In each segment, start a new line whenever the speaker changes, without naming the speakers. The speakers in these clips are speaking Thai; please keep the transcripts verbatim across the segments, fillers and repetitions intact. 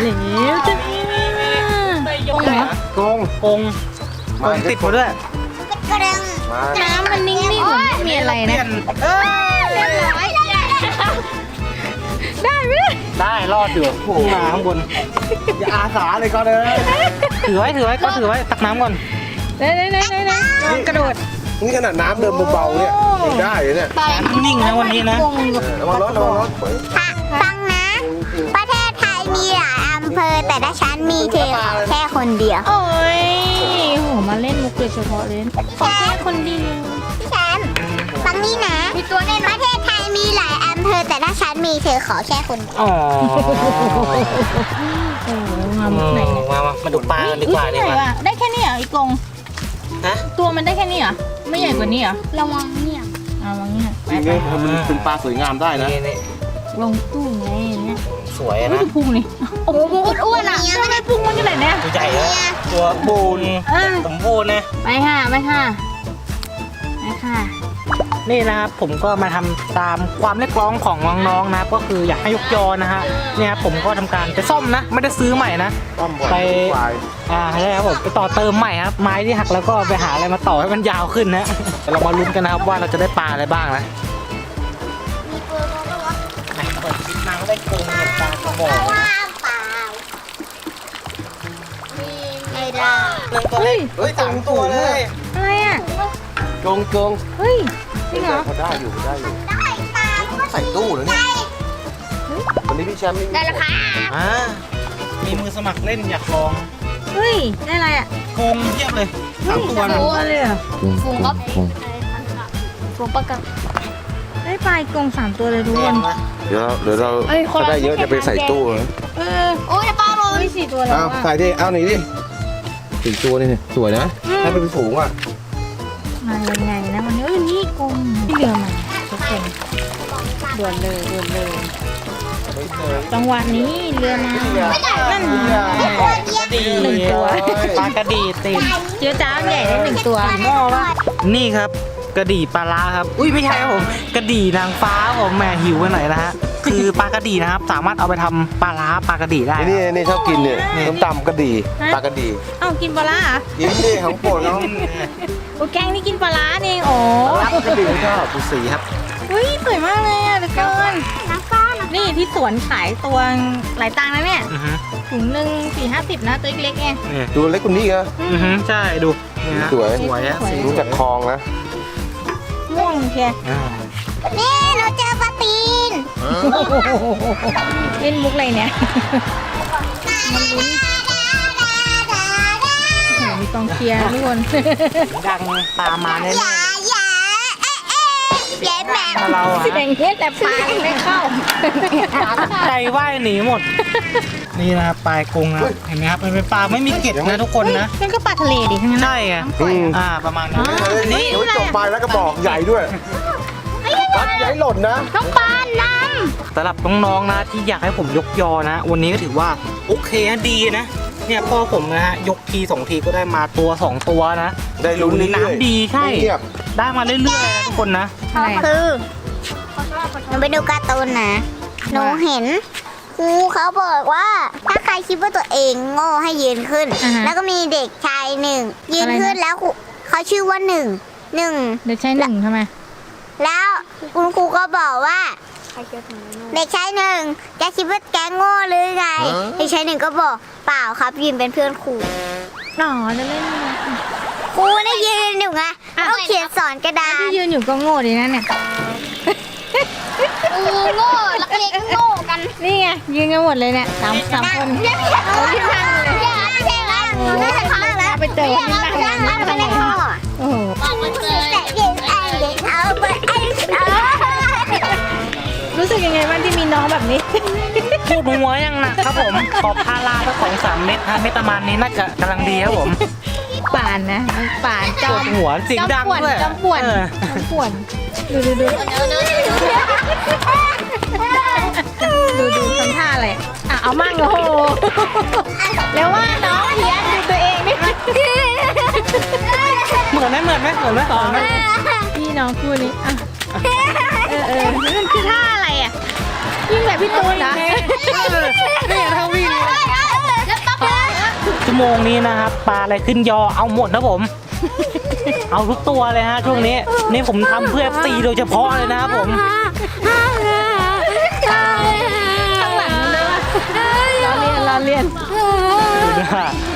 เหลวจะนี่กงเหรอก
ง
กงกงติดมาด้วย
กระดึง
มา
น้ำมันนิ่งๆเหมือนไม่มีอะไรนะ
เอ้ย
เรียบร้อยได้ไหม
ได้รอดอยู่พุ่งมาข้างบนอย่าอาสาเลยก็เลย
ถือไว้ถือไว้ก็ถือไว้ตักน้ำก่อนไหนไหนไหนไหนไหนลองกระโดด
นี่ขนาดน้ำเดินเบาๆเนี่ยยังได้เลยเนี่ย
น้ำนิ่งนะวันนี้นะ
ระวังรถระวังรถ
ฟังนะ ประเทศไทยมีหลายอำเภอแต่ละชั้นมีเธอแค่คนเดียว
โอ้ยโหมาเล่นมุกโดยเฉพาะเลยขอแค่คนเดียว
พี่แชมป์ฟังนี่นะมีตัวแน่ประเทศไทยมีหลายอำเภอแต่ละชั้นมีเธอขอแค่คนเดียว
อ๋อโอ้มามุกไหนเนี่ย
มามามาดูปลากันดีกว่า
อุ๊ย
ดีกว่า
ไหนวะได้แค่นี้เหรออีกง
ฮะ
ตัวมันได้แค่นี้เหรอไม่ใหญ่กว่านี้เหรอ
ระวังเนี่ย
เอาวางเนี่ยไป
นี่
ไป
มันเป็นปลาสวยงามได้นะ
นี่นี่
ลงตู้ไงเนี่ย
สวย
ไม่
นะ
ดูพุงนี่โอ้โหอ้วนๆอ่ะทำไมพุงมันขนาดเนี้ย
ตัวใหญ่นะตัวบูน
เออ
สมบูรณ์นะ
ไปค่ะไปค่ะไปค่ะ นี่นะครับผมก็มาทำตามความเรียกร้องของน้องๆนะก็คืออยากให้ยกยอนะฮะเนี่ยผมก็ทำการไปซ่อมนะ ไม่ได้ซื้อใหม่นะ
ต้อมบ่อย
ไป
ควาย
อ่าใช่ครับผมไปต่อเติมใหม่ครับไม้ที่หักแล้วก็ไปหาอะไรมาต่อให้มันยาวขึ้นนะเรามาลุ้นกันนะครับว่าเราจะได้ปลาอะไรบ้างนะ
มีเปลือกก็วะ
เปิดคลิปมาก็ได้โกงเห็ดปลากระบอก
ว่างเปล่ามีไม่ได้
หนึ่งตัวเล็กเฮ้ยสามตัวเลย
อะไรอ่ะ
กงกง
เฮ้ยจริงเหรอ
พอได้อยู่พอได้อยู่
ได้เปล่า
ใส่ตู้เหรอเนี่ยวันนี้พี่แชมป์นี่
ได้แล้วค่ะ
อ่ามีมือสมัครเล่นอยากลอง
เฮ้ยได้อะไรอ่ะ
โกงเทียบเลยสามตัวนะ
ตัวเลยเหรอ
ฟูงก็ฟูงปะกัน
ได้ปลาอีกกงสามตัวเลยทุกคน
เดี๋ยวเดี๋ยวเราถ้าได้เยอะจะไปใส่ตู้นะ
เออ
โอ้ยปลาโร
เฮ้
ย
ยสี่ตัวแล้ว
เอา
อ่ะ
ใส่ดิเอาหนีดิสี่ตัวนี่สวยนะถ้าเป็นฝูงอ่ะ
มายังไงนะวันนี้เอ้ยนี่กงที่เรือมาทุกคนด่วนเลยด่วนเลย จังหวะนี้เรือมานั่น
กระดี
หนึ่งตัว
ปลากระดีติด
เจียวจ้ามใหญ่ได้หนึ่งตัวหม้อวะนี่ครับกระดี่ปลาร้าครับอุ้ยไม่ใช่ครับผมกระดี่นางฟ้าผมแหมหิวไปหน่อยนะฮะคือปลากระดี่นะครับสามารถเอาไปทำปลาร้าปลากระดี่ได้
ไอ้นี่นี่ชอบกินเนี่ยน้ำตำกระดีปลากระดี
เอ้ากินปลาร้าเหรอ
กินดิของโปรดเขา
โอ้แกงนี่กินปลาร้านี่เองอ๋อ
รับกระดีชอบดูสีครับ
อุ้ยสวยมากเลยอ่ะทุกคน
น้ำฟ้าน้
นี่ที่สวนขายตัวหลายตังค์นะเนี่ย
อือฮึ
ถุงหนึ่งสี่ห้าสิบนะตัวเล็กๆไง
นี่
ดูเล็กกว่านี้เหรอ
อือฮึใช่ดูนี่ฮะ
สวย
สวยอะสี
รู้จักคลองนะ
ม่วงแค่
อ่า
ำนี่เราเจอปลาตีน
เล่นมุกอะไรเนี่ยมันลุ้นโอ้โหมีกองเชียร์ทุกคน
ดังตามมาแน่
อย่าอย่าเอ๊ะเอ๊ะแย่แหม่
ๆถ้าเราอะ
แบ่งเงี้ยแต่ปลาไม่เข้า
ใจว่ายหนีหมด นี่นะครับปลายกรงนะเห็นไหมครับมันเป็นปลาไม่มีเกล็ดนะทุกคนนะ
นั่นก็ปลาทะเลดิทั้งนั้น
ใช่ไง
อืม
อ่าประมาณนั้น
นี่เดี๋ยวจบไปแล้วก็บอกใหญ่ด้วยรัดใหญ่หล่นนะ
น้องปลาน้
สำหรับน้องๆนะที่อยากให้ผมยกยอนะ วันนี้ก็ถือว่าโอเคนะดีนะเนี่ยพ่อผมนะฮะยกทีสองทีก็ได้มาตัวสองตัวนะ
ได้ลุ้นเรื่อยๆ
น้ำดีใช่
ไม่เงียบ
ได้มาเรื่อยๆนะทุกคนนะ
อะไร
ำ
อะ
คือหนูไปดูการ์ตูนนะหนูเห็นครูเขาบอกว่า ถ้าใครคิดว่าตัวเองโง่ให้ยืนขึ้น แล้วก็มีเด็กชายหนึ่งยืนขึ้นแล้วครูเขาชื่อว่าหนึ่งหนึ่ง
เดี๋ยวใช้หนึ่งทำไม
แล้วคุณครูก็บอกว่า เด็กชายหนึ่งจะคิดว่าแกโง่หรือไงเด็กชายหนึ่งก็บอกเปล่าครับยืนเป็นเพื่อนครู
อ๋อจะเล่นอะไร
ครูได้ยืนอยู่ไงเขาเขียนสอนกระดาษ
ที่ยืนอยู่ก็โง่ดีนะเนี่ย
ครูโง่ลักเล็กโง่กัน
นี่ไงยืนกันหมดเลยเนี่ยสามสามคน
อย่าไม่ใช่อย่าไม่ใช่แล้วหนูน่าจะท้องแล้ว
ไปเจอคนที่นั่ง
อย่าไม่ใช่แล้ว
โอ้โห
บอกมันเลยแต่เด็กไอ้เด็กเอาไปไอ้เอา
รู้สึกยังไงบ้างที่มีน้องแบบนี้
พูดหัวยังหนักครับผม ขอพาราสักสองสามเม็ดฮะเม็ดประมาณนี้น่าจะกำลังดีครับผม
ป่านนะป่านจ
ป
อ
ว
ม
ดหัวเสียงดังด้วย
จอมป่วน
เออ
จอมป่วนดูดูดูดูดูทำท่าอะไรอ่ะเอามั่งโอ้โหแล้วว่าน้องเพี้ยนดูตัวเองนี่
เหมือนไหมเหมือนไหมเหมือนไหมเหมือนไหม
พี่น้องคู่นี้อ่ะเออเออนั่นคือท่าอะไรอ่ะยิ่งแบบพี่ตูนนะ
นี่เท่าวิ่งเลย
ชั่วโมงนี้นะครับปลาอะไรขึ้นยอเอาหมดนะผม เอาทุกตัวเลยฮะช่วงนี้นี่ผมทำเพื่อตีโดยเฉพาะเลยนะครับผม
ข้างหลังเลยว่ะเราเรียนเราเรียน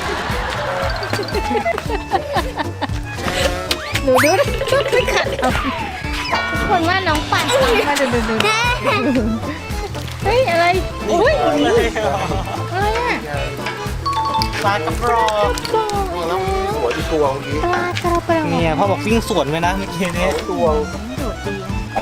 ดูดูชุดไม่ขัดเอาคนว่าน้องปั่นมาดูดูดูเฮ้ยอะไรอุ้ยอะไรอ่ะ
ปลากระปรอก
แล้วหัวอีกตัวเมื่อกี้
ปลากระเป๋า
เนี่ยพ่อบอกวิ่งสวนไปนะเมื่อกี้นี้
ตัว
โดดดี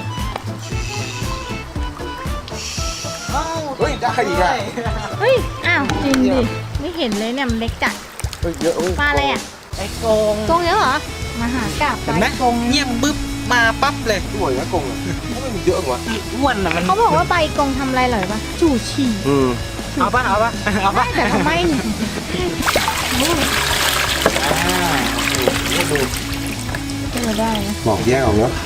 เฮ้ยได้อีกอ่ะ
เฮ้ยอ้าวจริงดิไม่เห็นเลยเนี่ยมันเล็กจัด
เฮ้ยเยอะเฮ้ย
ปลาอะไรอ่ะ
ไอ้กง
กงเยอะเหรอมาหากราบ
เห็นไหม
กง
เงียบปึ๊บมาปั๊บเลย
สวยนะกงอ่ะไม่มีเยอะกว่า
อ้วนอ่ะมัน
เขาบอกว่าใบกงทำอะไรเหรอปะจู่ฉี่
อืม
เอาปะเอาปะเอาปะ
แต่ทำไมเนี่ย
ดู
เออได้นะ
บอกแยกออกเนาะ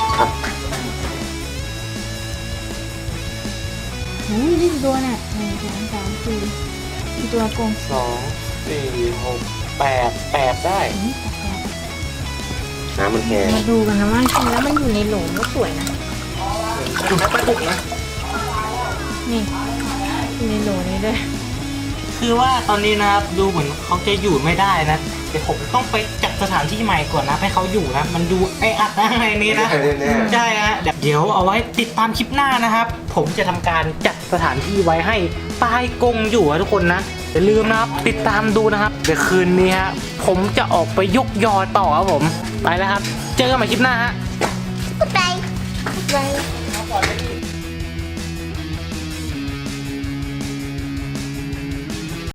อุ้ยนี่กี่ตัวเนี่ยหนึ่งสองสามสี่กี่ตัวกง
สองสี่หกแปดแปดได้
อุ๊ยแปลก
น้ำมันแห้ง
ๆมาดูกันนะว่าจริงแล้วมันอยู่ในโหลก็สวยนะ
ดูไม่ปุกนะ
นี่อยู่ในโหลนี้ด้วย
คือว่าตอนนี้นะครับดูเหมือนเขาจะอยู่ไม่ได้นะเดี๋ยวผมต้องไปจัดสถานที่ใหม่ก่อนนะให้เขาอยู่นะมันดูไออัดนะในนี้นะ
แน่
ใช่ฮะเดี๋ยวเอาไว้ติดตามคลิปหน้านะครับ ผมจะทำการจัดสถานที่ไว้ให้ปลายกงอยู่อะทุกคนนะอย่าลืมนะครับติดตามดูนะครับเดี๋ยวคืนนี้ฮะผมจะออกไปยกยอต่อครับผมไปแล้วครับ เจอกันใหม่คลิปหน้าฮะ
ไป
ไป